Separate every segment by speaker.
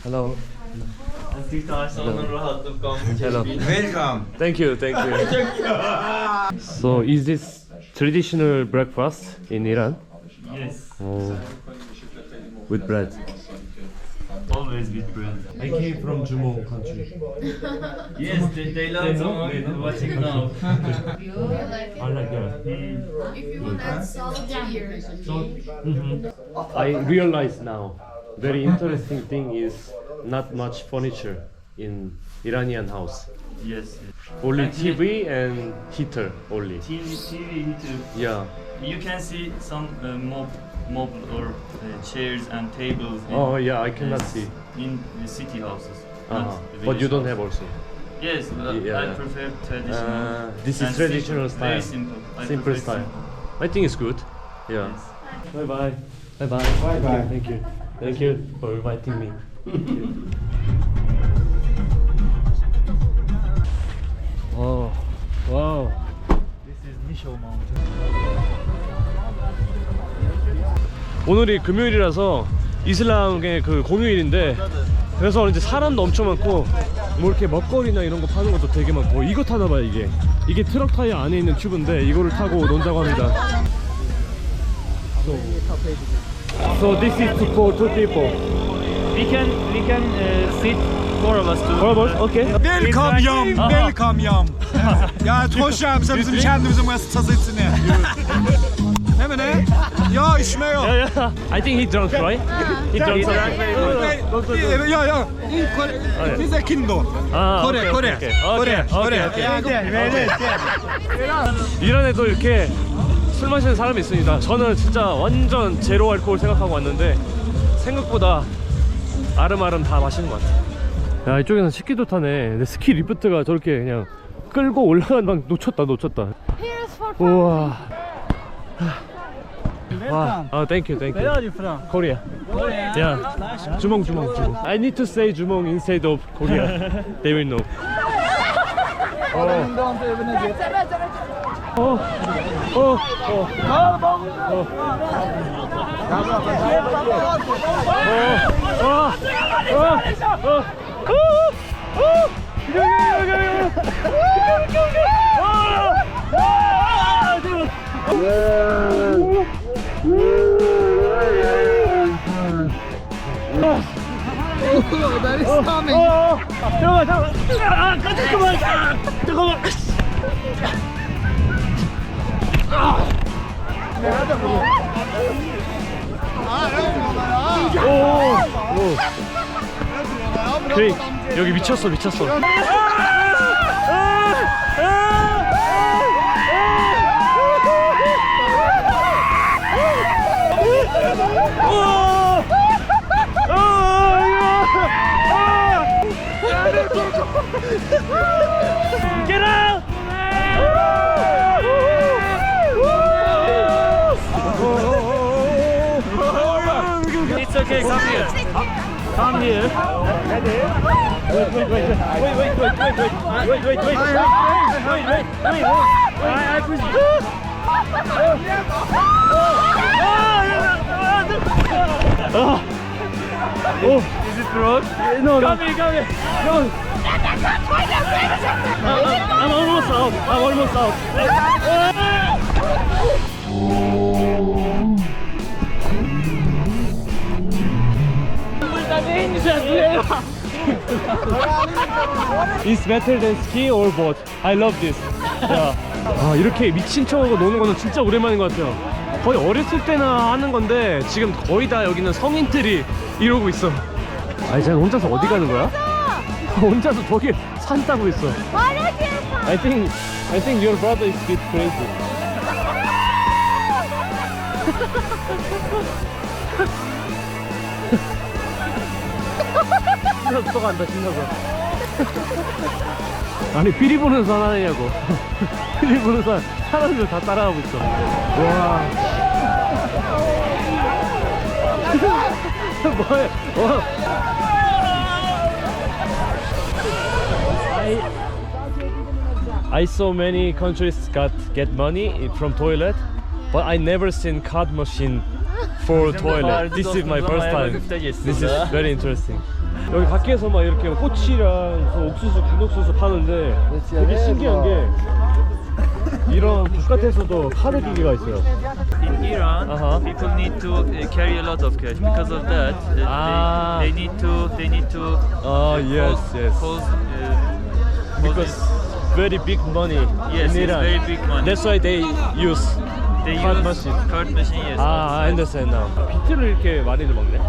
Speaker 1: Hello. Hello.
Speaker 2: Welcome.
Speaker 1: Thank you, thank you. So, is this traditional breakfast in Iran?
Speaker 3: Yes,
Speaker 1: Oh, with bread.
Speaker 3: always with bread.
Speaker 1: I came from Jumong country.
Speaker 3: Yes, they love Jumong watching now.
Speaker 1: I like that.
Speaker 4: If you want to add salt here.
Speaker 1: I realize now, very interesting thing is not much furniture in Iranian house.
Speaker 3: Yes.
Speaker 1: Only TV and heater only.
Speaker 3: TV heater.
Speaker 1: Yeah.
Speaker 3: You can see some mob or chairs and tables.
Speaker 1: Oh yeah, I cannot see.
Speaker 3: In the city houses.
Speaker 1: Uh-huh.
Speaker 3: not
Speaker 1: But
Speaker 3: village
Speaker 1: you don't
Speaker 3: houses.
Speaker 1: have also.
Speaker 3: Yes,
Speaker 1: Yeah,
Speaker 3: I
Speaker 1: yeah.
Speaker 3: prefer traditional.
Speaker 1: This
Speaker 3: and
Speaker 1: is traditional
Speaker 3: simple, very
Speaker 1: style.
Speaker 3: simple. I
Speaker 1: Simple
Speaker 3: prefer
Speaker 1: style.
Speaker 3: simple.
Speaker 1: I think it's good. Yeah.
Speaker 3: Yes.
Speaker 1: Bye bye. Bye bye.
Speaker 2: Bye bye.
Speaker 1: Thank you. Thank you for inviting me. Oh, wow.
Speaker 3: This is Misho Mountain.
Speaker 1: 오늘이 금요일이라서 이슬람의 그 공휴일인데 그래서 이제 사람도 엄청 많고 뭐 이렇게 먹거리나 이런 거 파는 것도 되게 많고 이거 타나 봐요 이게 트럭 타이어 안에 있는 튜브인데 이거를 타고 논다고 합니다. So this is for two people.
Speaker 3: We can sit four of us too.
Speaker 1: Beraber, okay.
Speaker 2: Welcome yam.
Speaker 1: Aha.
Speaker 2: Welcome yam. Ya hoş geldiniz bizim kendimize müessesesine. Ne mi ne? Ya içme yok.
Speaker 1: Yeah, yeah. I think he drunk, right? He drunk something.
Speaker 2: Ya ya. Bize kindo.
Speaker 1: 아,
Speaker 2: Kore,
Speaker 1: 오케이,
Speaker 2: Kore.
Speaker 1: 오케이,
Speaker 2: Kore,
Speaker 1: 오케이,
Speaker 2: Kore.
Speaker 1: 오케이. 이란에도 이렇게 술 마시는 사람이 있습니다. 저는 진짜 완전 제로 알코올 생각하고 왔는데 생각보다 아름아름 다 마시는 것 같아요. 야, 이쪽에는 스키도 타네. 근데 스키 리프트가 저렇게 그냥 끌고 올라가는 방 놓쳤다.
Speaker 4: Here's for fun.
Speaker 1: 우와. 와, thank you.
Speaker 3: Where are you from?
Speaker 1: Korea. Yeah. 주몽. I need to say 주몽 instead of Korea. They will know.
Speaker 2: That is coming.
Speaker 1: 잠깐만. 그래, 여기 미쳤어. Get out! It's okay, come here. Come here. Wait. Is it wrong? No. Come here. No. I'm almost out. It's better than ski or boat. I love this. 아, 이렇게 미친 척하고 노는 거는 진짜 오랜만인 것 같아요. 거의 어렸을 때나 하는 건데 지금 거의 다 여기는 성인들이 이러고 있어. 아니, 쟤는 혼자서 어디 가는 거야? 혼자서 저기 산 타고 있어. I think your brother is a bit crazy. 신나서 또 간다, 신나서. 아니, 피리 보는 산 하느냐고. 피리 보는 산 사람들 다 따라가고 있어. 와. 뭐해? I saw many countries get money from toilet, but I never seen card machine for toilet. This is my first time. This is very interesting. 여기 밖에서 막 이렇게 꼬치랑 무슨 옥수수, 군옥수수 파는데 되게 신기한 게 이런 바깥에서도 카드 기계가 있어요.
Speaker 3: In Iran,
Speaker 1: Uh-huh.
Speaker 3: people need to carry a lot of cash. Because of that,
Speaker 1: Ah.
Speaker 3: they need to.
Speaker 1: Oh yes, yes.
Speaker 3: Because
Speaker 1: very big money
Speaker 3: yes,
Speaker 1: in
Speaker 3: it's
Speaker 1: Iran.
Speaker 3: very big money.
Speaker 1: That's why they use.
Speaker 3: They
Speaker 1: card
Speaker 3: use
Speaker 1: machine.
Speaker 3: card machine. Yes.
Speaker 1: 아, I understand now. 비트를 이렇게 많이들 먹네.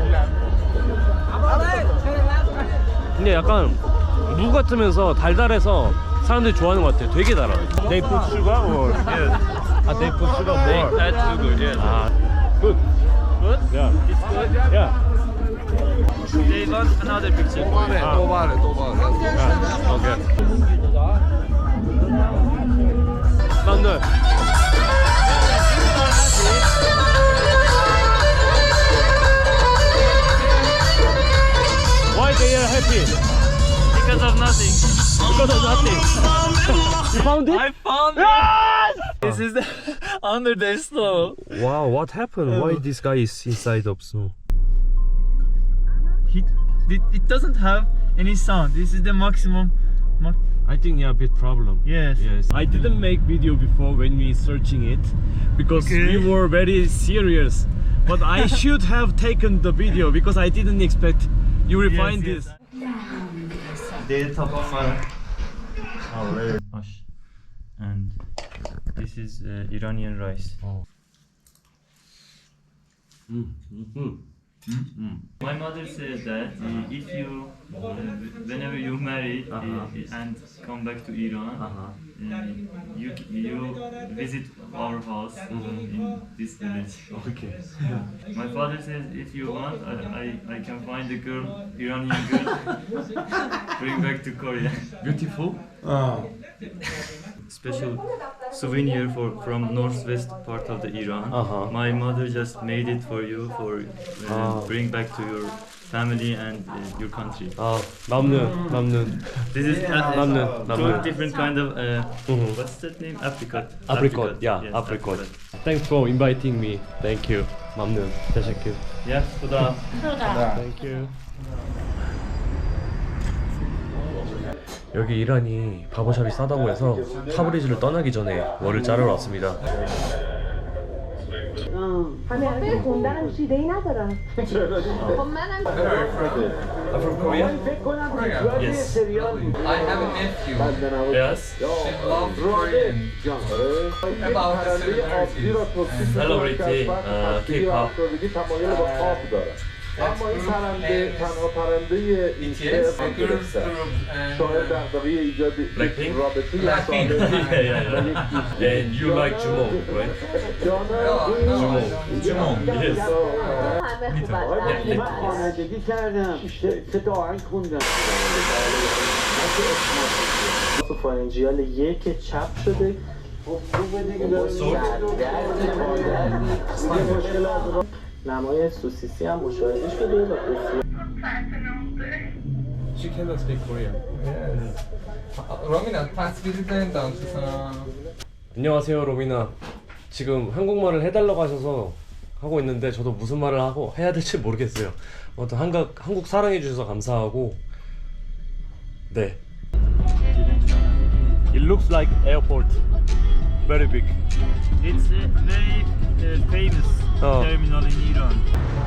Speaker 1: 근데 약간 무 같으면서 달달해서 사람들이 좋아하는 것 같아요. 되게 달아. They put sugar or?
Speaker 3: Yes.
Speaker 1: 아, they put sugar
Speaker 3: They
Speaker 1: more.
Speaker 3: add sugar. Yes.
Speaker 1: 아, good.
Speaker 3: Good.
Speaker 1: Yeah.
Speaker 3: It's good.
Speaker 1: Yeah.
Speaker 3: They want another picture.
Speaker 1: 아, yeah. Okay. 만들. Why they are happy?
Speaker 3: Because of nothing.
Speaker 1: Because of nothing. You found it?
Speaker 3: I found it. This is the under the snow.
Speaker 1: Wow, what happened? Why this guy is inside of snow?
Speaker 3: It doesn't have any sound. This is the maximum.
Speaker 1: I think yeah, bit problem.
Speaker 3: Yes.
Speaker 1: Yes. I didn't make video before when we searching it because we were very serious. But I should have taken the video because I didn't expect you will find this.
Speaker 3: And this is Iranian rice. My mother says that if you, whenever you marry and come back to Iran, you visit our house in this village.
Speaker 1: Okay.
Speaker 3: My father says if you want, I can find a girl, Iranian girl, bring back to Korea.
Speaker 1: Beautiful.
Speaker 3: Special souvenir from northwest part of the Iran. My mother just made it for you for bring back to your family and your country.
Speaker 1: 아, 남는.
Speaker 3: This is
Speaker 1: 남는.
Speaker 3: two different kind of what's that name? Apricot.
Speaker 1: Apricot. Yeah,
Speaker 3: Yes,
Speaker 1: apricot. Thanks for inviting me. Thank you. 남는. Teşekkür.
Speaker 3: Yeah, Kuda.
Speaker 1: Thank you. 여기 이란이 바버샵이 싸다고 해서 타브리즈를 떠나기 전에 머리를 자르러 왔습니다.
Speaker 5: همه خوندنم شیده ای ندارم
Speaker 4: خب منم
Speaker 1: From Korea?
Speaker 3: Yes.
Speaker 6: I have a nephew.
Speaker 1: Yes.
Speaker 6: She loves Korean. About 7
Speaker 1: Celebrity K-pop.
Speaker 7: اما این پرنده تنها پرنده این
Speaker 6: BTS,
Speaker 7: هم
Speaker 6: girls
Speaker 7: گرفته
Speaker 6: group, and
Speaker 7: شاید دغدغه ایجاد
Speaker 1: Blackpink?
Speaker 7: رابطه
Speaker 6: Blackpink.
Speaker 1: And you like Jumo, right?
Speaker 7: جانا
Speaker 6: Jumong.
Speaker 1: Yes.
Speaker 5: همه خوبن
Speaker 7: خوانندگی کردم سه تا آهنگ خوندم فارنجیال یک چپ شده خوبه دیگه نمای سوسیسی هم مشاهده شده و بسیار
Speaker 1: She cannot speak Korean.
Speaker 6: Romina, تصویری دانشسان.
Speaker 1: 안녕하세요, 로미나. 지금 한국말을 해달라고 하셔서 하고 있는데 저도 무슨 말을 하고 해야 될지 모르겠어요. 아무튼 한국 사랑해 주셔서 감사하고. 네. It looks like airport. Very big.
Speaker 3: It's a very famous terminal in Iran.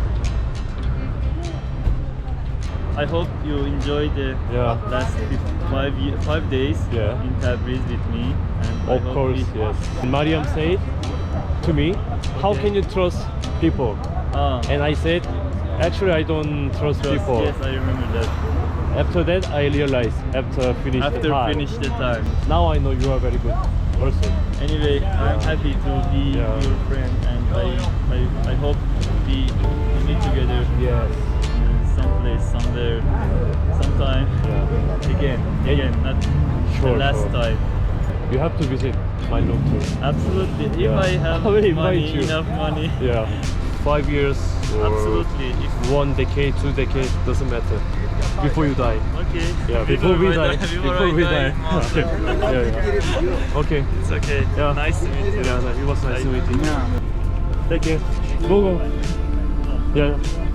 Speaker 3: I hope you enjoyed the
Speaker 1: Yeah.
Speaker 3: last 5 days
Speaker 1: Yeah.
Speaker 3: in Tabriz with me. And I
Speaker 1: Of
Speaker 3: hope
Speaker 1: course, yes. Mariam said to me, how can you trust people? And I said, actually I don't trust people.
Speaker 3: Yes, I remember that.
Speaker 1: After that I realized, after finish the
Speaker 3: After
Speaker 1: time.
Speaker 3: finish the time.
Speaker 1: Now I know you are very good person.
Speaker 3: Anyway, I'm happy to be
Speaker 1: Yeah.
Speaker 3: your friend, and I hope we meet together
Speaker 1: Yes.
Speaker 3: someplace, somewhere, sometime.
Speaker 1: Yeah.
Speaker 3: Again, not
Speaker 1: Sure,
Speaker 3: the last
Speaker 1: sure.
Speaker 3: time.
Speaker 1: You have to visit my room too.
Speaker 3: Absolutely. If
Speaker 1: Yeah.
Speaker 3: I have
Speaker 1: I will invite
Speaker 3: money,
Speaker 1: you.
Speaker 3: enough money.
Speaker 1: Yeah. 5 years or
Speaker 3: Absolutely. If,
Speaker 1: 1 decade, 2 decades, doesn't matter. Before you die.
Speaker 3: okay.
Speaker 1: Yeah, before we die.
Speaker 3: Before
Speaker 1: we
Speaker 3: I die.
Speaker 1: die. Yeah. Okay.
Speaker 3: It's okay.
Speaker 1: Yeah.
Speaker 3: Nice to meet you.
Speaker 1: Yeah, it was nice to meet you. Take care. Go. Yeah.